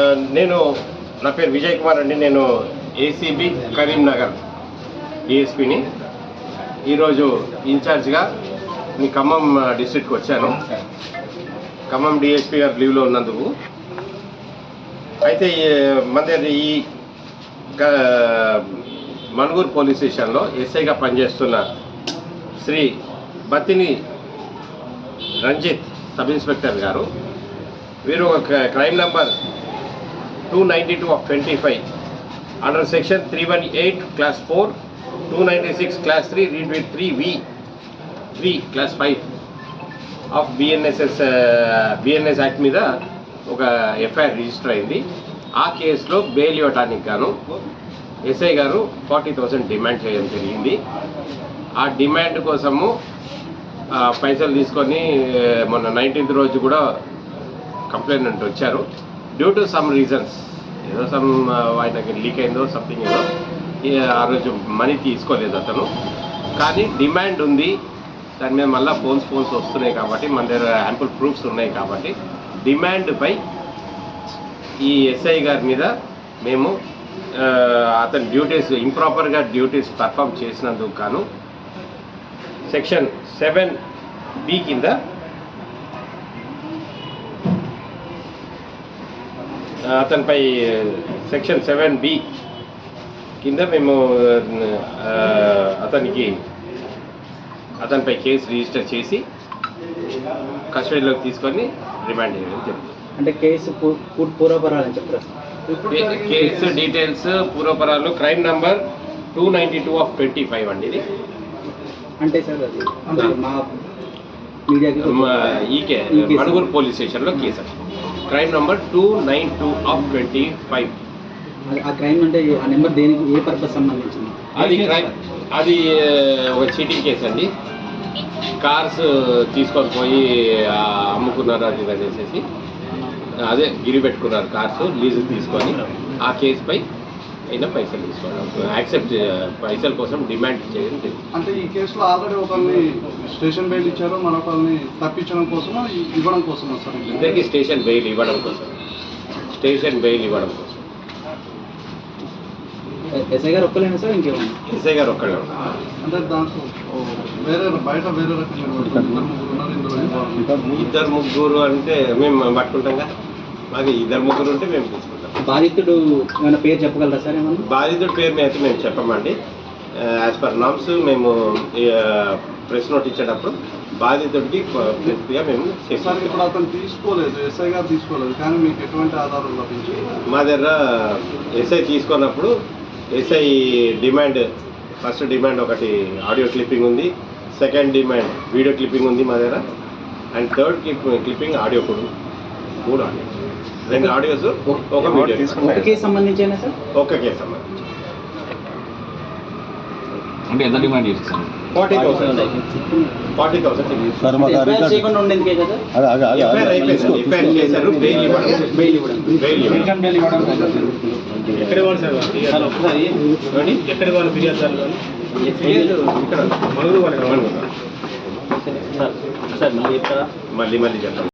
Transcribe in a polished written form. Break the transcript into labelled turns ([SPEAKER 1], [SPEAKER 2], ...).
[SPEAKER 1] నేను నా పేరు విజయ్ కుమార్ అండి. నేను ఏసీబీ కరీంనగర్ డిఎస్పీని. ఈరోజు ఇన్ఛార్జ్గా మీ ఖమ్మం డిస్ట్రిక్ట్కి వచ్చాను. ఖమ్మం డిఎస్పీ గారు లీవ్లో ఉన్నందుకు. అయితే మన ఈ మణుగూరు పోలీస్ స్టేషన్లో ఎస్ఐగా పనిచేస్తున్న శ్రీ బత్తిని రంజిత్ సబ్ ఇన్స్పెక్టర్ గారు, వీరు ఒక crime number 292/25 under section 318 clause 4, 296 clause 3 read with 3 clause 5 of BNS act మీద ఒక ఎఫ్ఐఆర్ రిజిస్టర్ అయింది. ఆ కేసులో బెయిల్ ఇవ్వటానికి గాను ఎస్ఐ గారు 40,000 డిమాండ్ చేయడం జరిగింది. ఆ డిమాండ్ కోసము పైసలు తీసుకొని మొన్న 19th రోజు కూడా కంప్లైంట్ వచ్చారు. డ్యూ టు సమ్ రీజన్స్, ఏదో సమ్ ఆయనకి లీక్ అయిందో సంథింగ్ ఏదో, ఆ రోజు మనీ తీసుకోలేదు అతను. కానీ డిమాండ్ ఉంది, దాని మీద మళ్ళీ ఫోన్స్ వస్తున్నాయి కాబట్టి మన దగ్గర యాంపుల్ ప్రూఫ్స్ ఉన్నాయి కాబట్టి డిమాండ్పై ఈ ఎస్ఐ గారి మీద మేము అతని డ్యూటీస్ ఇంప్రాపర్గా డ్యూటీస్ పర్ఫామ్ చేసినందుకు గాను సెక్షన్ 7B కింద అతనిపై సెక్షన్ 7B కింద మేము అతనిపై కేసు రిజిస్టర్ చేసి కస్టడీలోకి తీసుకొని రిమాండ్ చేయడం జరుగుతుంది.
[SPEAKER 2] అంటే కేసు పూర్వపరాలు చెప్తారు.
[SPEAKER 1] కేసు డీటెయిల్స్ పూర్వపరాలు క్రైమ్ నంబర్ 292/25 అండి. ఇది
[SPEAKER 2] అంటే సార్ అది మా మీడియాకి
[SPEAKER 1] ఈకే మణుగూరు పోలీస్ స్టేషన్లో కేసు క్రైమ్ నంబర్ 292/25.
[SPEAKER 2] ఆ క్రైమ్ అంటే ఆ నెంబర్ దేనికి, ఏ పర్పస్ సంబంధించింది?
[SPEAKER 1] అది ఒక చీటింగ్ కేసు అండి. కార్స్ తీసుకొని పోయి అమ్ముకున్నారు అది ఇది అనేసి, అదే గిరి పెట్టుకున్నారు కార్స్ లీజు తీసుకొని. ఆ కేసుపై అయినా పైసలు తీసుకోవడం, యాక్సెప్ట్ పైసల కోసం డిమాండ్ చేయడం జరిగింది.
[SPEAKER 3] అంటే ఈ కేసులో ఆల్రెడీ ఒకరిని స్టేషన్ బెయిల్ ఇచ్చారు, మరొకరిని తప్పించడం కోసం ఇవ్వడం కోసం వస్తారు.
[SPEAKER 1] ఇద్దరికి స్టేషన్ బెయిల్ ఇవ్వడం కోసం
[SPEAKER 2] ఎస్ఐ గారు ఒక్కలేనా సార్, ఇంకేమన్నా?
[SPEAKER 1] ఎస్ఐ గారు ఒక్కడే ఉన్నారు.
[SPEAKER 3] అంటే దాంట్లో బయట వేరే రకంగా
[SPEAKER 1] ఇద్దరు ముగ్గురు అంటే మేము పట్టుకుంటాం కదా, మాకు 2-3 ఉంటే మేము తీసుకుంటాం.
[SPEAKER 2] బాధితుడు ఏమైనా పేరు చెప్పగలరా సార్? ఏమన్నా
[SPEAKER 1] బాధితుడి పేరు అయితే మేము చెప్పమండి. యాజ్ పర్ నామ్స్ మేము ప్రెస్ నోట్ ఇచ్చేటప్పుడు బాధితుడికి పూర్తిగా మేము
[SPEAKER 3] సార్ ఇప్పుడు అతను తీసుకోలేదు, ఎస్ఐ గారు తీసుకోలేదు, కానీ మీకు ఎటువంటి ఆధారం లభించింది?
[SPEAKER 1] మా దగ్గర ఎస్ఐ తీసుకున్నప్పుడు ఎస్ఐ డిమాండ్, ఫస్ట్ డిమాండ్ ఒకటి ఆడియో క్లిప్పింగ్ ఉంది, సెకండ్ డిమాండ్ వీడియో క్లిప్పింగ్ ఉంది మా దగ్గర, అండ్ థర్డ్ క్లిప్పింగ్ ఆడియో కూడా 3 ఆడియో, 2 ఆడియోస్, ఒక వీడియో.
[SPEAKER 2] ఒక కేసు సంబంధించేనా సార్?
[SPEAKER 1] ఒక్క కేసు సంబంధించి.
[SPEAKER 4] అంటే ఎంత డిమాండ్ చేస్తారు?
[SPEAKER 1] 40,000
[SPEAKER 2] చేయకుండా ఉండేది కదా.
[SPEAKER 1] ఎఫ్ఐఆర్ అయిపోయింది, ఎఫ్ఐఆర్ చేశారు, బెయిల్ ఇవ్వడం. ఎక్కడ వాళ్ళు సార్ ఒకసారి ఎక్కడ వాళ్ళు ఫిర్యాదు సార్ ఇక్కడ మణుగూరు వాళ్ళు మళ్ళీ చెప్తాను.